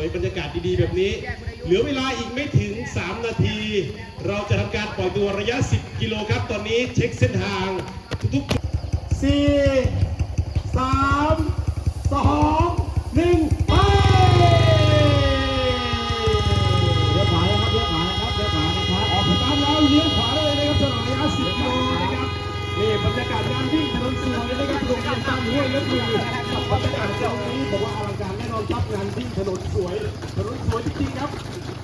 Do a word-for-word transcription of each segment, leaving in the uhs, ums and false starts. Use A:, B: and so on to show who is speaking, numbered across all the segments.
A: วยๆบรรยากาศดีๆแบบนี้เหลือเวลาอีกไม่ถึงสามนาทีเราจะทำการปล่อยตัวระยะสิบกิโลครับตอนนี้เช็คเส้นทางทุกๆสี่ สาม สอง หนึ่งไปเลี้ยวขวาแล้วครับเลี้ยวขวานะครับเลี้ยวขวานะครับออกตามแล้วเลี้ยวขวาเลยนะครับสนามระยะสิบกิโลนะครับนี่บรรยากาศงานวิ่งถนนสวยนะครับโรงเรียนตามห้วยและคือบรรยากาศตรงนี้บอกว่าอลังการแน่นอนครับงานวิ่งถนนสวยถนนสวยจริงๆครับ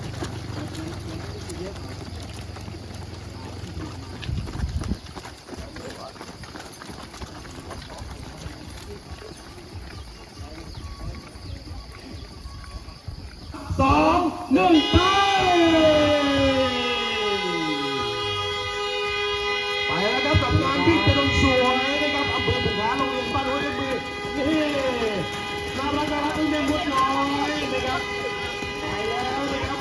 A: สองหนึ่งไปไปแล้วครับกับงานวิ่งถนนสวยนะครับอำเภอบุงหาโรงเรียนบ้านห้วยและมือนี่น่ารักน่ารักเด็กๆมุดน้อยนะครับไปแล้วนะครับ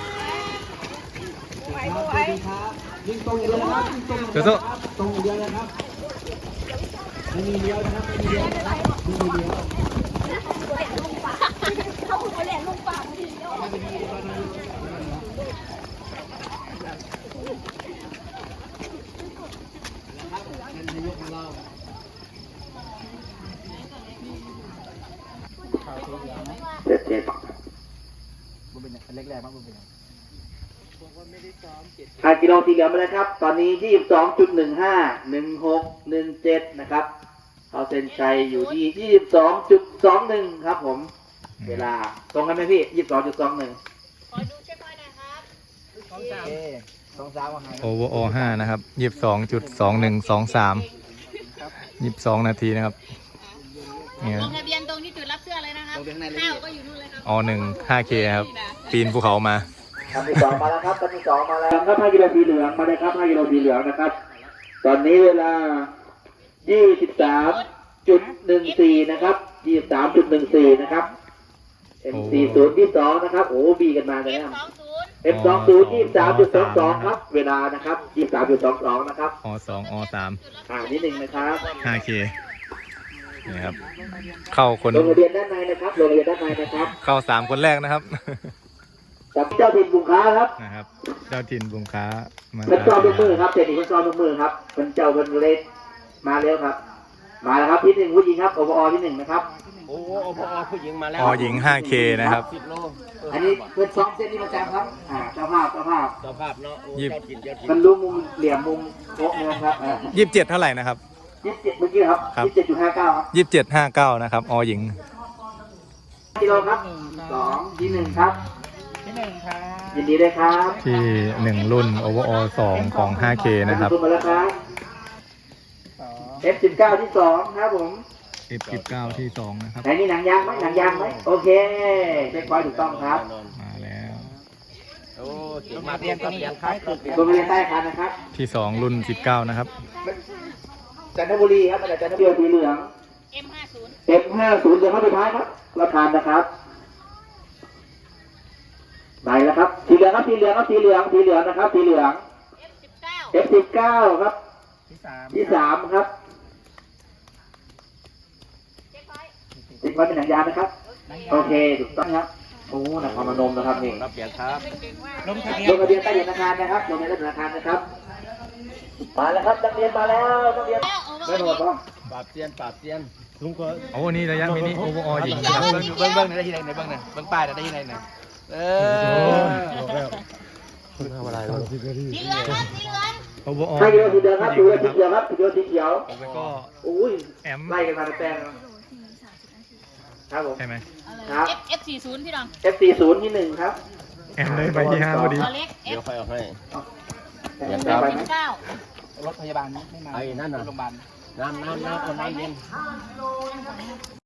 A: ไปไปครับยิงตรงเดียวนะครับยิงตรงเดียวนะครับตรงเดียวนะครับไม่มีเดียวนะครับไม่มีเดียวนะครับไม่มีเดียว
B: เขาหัวแหลมลงปากทีเดียว
C: เจ็ดเจ็ดบุญเป็นเล็กแรกมากบุญเป็นห้ากิโลสีเหลืองไปเลยครับตอนนี้ยี่สิบสองจุดหนึ่งห้าหนึ่งหกหนึ่งเจ็ดนะครับเขาเซ็นชัยอยู่ที่ยี่สิบสองจุดสองหนึ่งครับผมเวลาตรงกันไหมพี่ยี่สิบสองจุดสองหนึ่ง
B: ขอดูเช็คไว้หน่อยครับสองสาม
C: สองสาม
D: โอเวอร์โอห้านะครับยี่สิบสองจุดสองหนึ่งสองสามยี่สิบสองนาทีนะครับเนี่ย
B: ลงทะเบียนตรงที่จุดรับเสื้อเลยนะครับข้าวก็อยู่นู่นเลยครับ
D: อหนึ่งห้าเคครับปีนภูเขามา
C: คันที่สองมาแล้วครับคันที่สองมาแล้วครับห้ากิโลสีเหลืองมาเลยครับห้ากิโลสีเหลืองนะครับตอนนี้เวลายี่สิบสามจุดหนึ่งสี่นะครับยี่สิบสามจุดหนึ่งสี่นะครับเอ็มสี่ศูนย์ที่สองนะครับโอ้บีกันมาเลยครับเอฟสองศูนย์ยี่สิบสามจุดสองสองครับเวลานะครับยี่สิบสามจุดสองสองนะครับ
D: อสองอสาม
C: อ่านิดหนึ่งนะครับ
D: ห้าเคนี่ครับเข้าคน
C: ลงทะเบียนด้านในนะครับลงทะเบียนด้านในนะครับ
D: เข้าสามคนแรกนะครับ
C: กับเจ้าถิ่นบุงค้าครับ
D: นะครับเจ้าถิ่นบุงค้า
C: มาเป็นจอมมือครับเศรษฐีเป็นจอมมือครับเป็นเจ้าเป็นเล็กมาแล้วครับมาแล้วครับที่หนึ่งผู้หญิงครับโอปอที่หนึ่งนะครับ
E: โอ้โอปอผู้หญิงมาแล้ว
D: อหญิง ห้าเค นะครับ
C: อันนี้เพื่อนซ้อมเส้นนี้ประจำครับอ่าเจ้าภาพเจ้าภาพ
E: เจ้าภาพเนาะ
D: ยี่
C: มันรู้มุมเหลี่ยมมุมโต๊ะนะครับ
D: ยี่สิบเจ็ดเท่าไหร่นะครับ
C: ยี่สิบเจ็ดเมื่อกี้ครับยี่สิบเจ็ดจุดห้าเก้าครับ
D: ยี่สิบเจ็ดห้าเก้านะครับอหญิง
C: กิโลครับสองที่หนึ่งครับ
E: ที่หนึ่งครับ
C: ยินดีด้วยครับ
D: ที่หนึ่งรุ่นโอเวอร์โอสองของ ห้าเค นะครับ
C: มาแล้วครับ เอฟ สิบเก้า ที่สองครับผม
D: เอฟ สิบเก้า ที่สองนะครับ
C: ไหนนี่หนังยางไหมหนังยางไหมโอเคเช็คไว้ถูกต้องครับ
D: มาแล้ว
E: โอ้มาเรียนก็เรียนครับ
C: โรงเรียนใต้คันนะครับ
D: ที่สองรุ่นสิบเก้านะครับ
C: จันทบุรีครับมาจากจันทบุรีสีเหลือง
B: เอ็มห้าศูนย์
C: เอ็มห้าศูนย์เดี๋ยวเข้าไปท้ายครับรับทานนะครับไหนนะครับสีเหลืองครับสีเหลืองครับสีเหลืองสีเหลืองนะครับสีเหลือง เอฟ สิบเก้า ครับที่สามครับติดไว้เป็นหนังยางนะครับโอเคถูกต้องครับโอ้นครพนมนะครับนี่
E: รับเกียรติครับ
C: ลงทะเบียนลงทะเบียนใต้ธนาคารนะครับลงทะเบียนใต้ธนาคารนะครับมาแล้วครับนักเรียนมาแล้วนักเรียนไม่หมดป่ะ
E: ปราบเซียนปราบเซียนลุงก็
D: โอ้นี่ระยะมินิโอเวอร์ออหญิง
E: ครับเบิ้งเบิ้งเบิ้งได้ที่ไหนเบิ้งเนี่ยเบิ้งป้ายได้ที่ไหนเนี่ยเออ
B: สีเหลืองครับสีเหลือง
D: โอเวอร์ออ
C: ใช่กิโลสีเหลืองครับสีเหลืองสีเขียวครับสีเขียวสีเขียว
D: แล้วก็
C: อุ้ย
D: แอม
C: ไล่กันมาแป้งครับผม
D: ใช่ไหม
C: ครับ
B: เอฟ สี่สิบ พี่น้อง
C: เอฟ สี่สิบ ที่หนึ่งครับ
D: แอมเลยไปที่ห้าพอดี
E: เดี๋ยวค่อยเอาให้
B: เดี๋ยวครับเก้าร
E: ถพยาบาลไม่มาไอ้นั่นน่ะโรงพยาบาลน้ำน้ำน้ำน้ำเย็น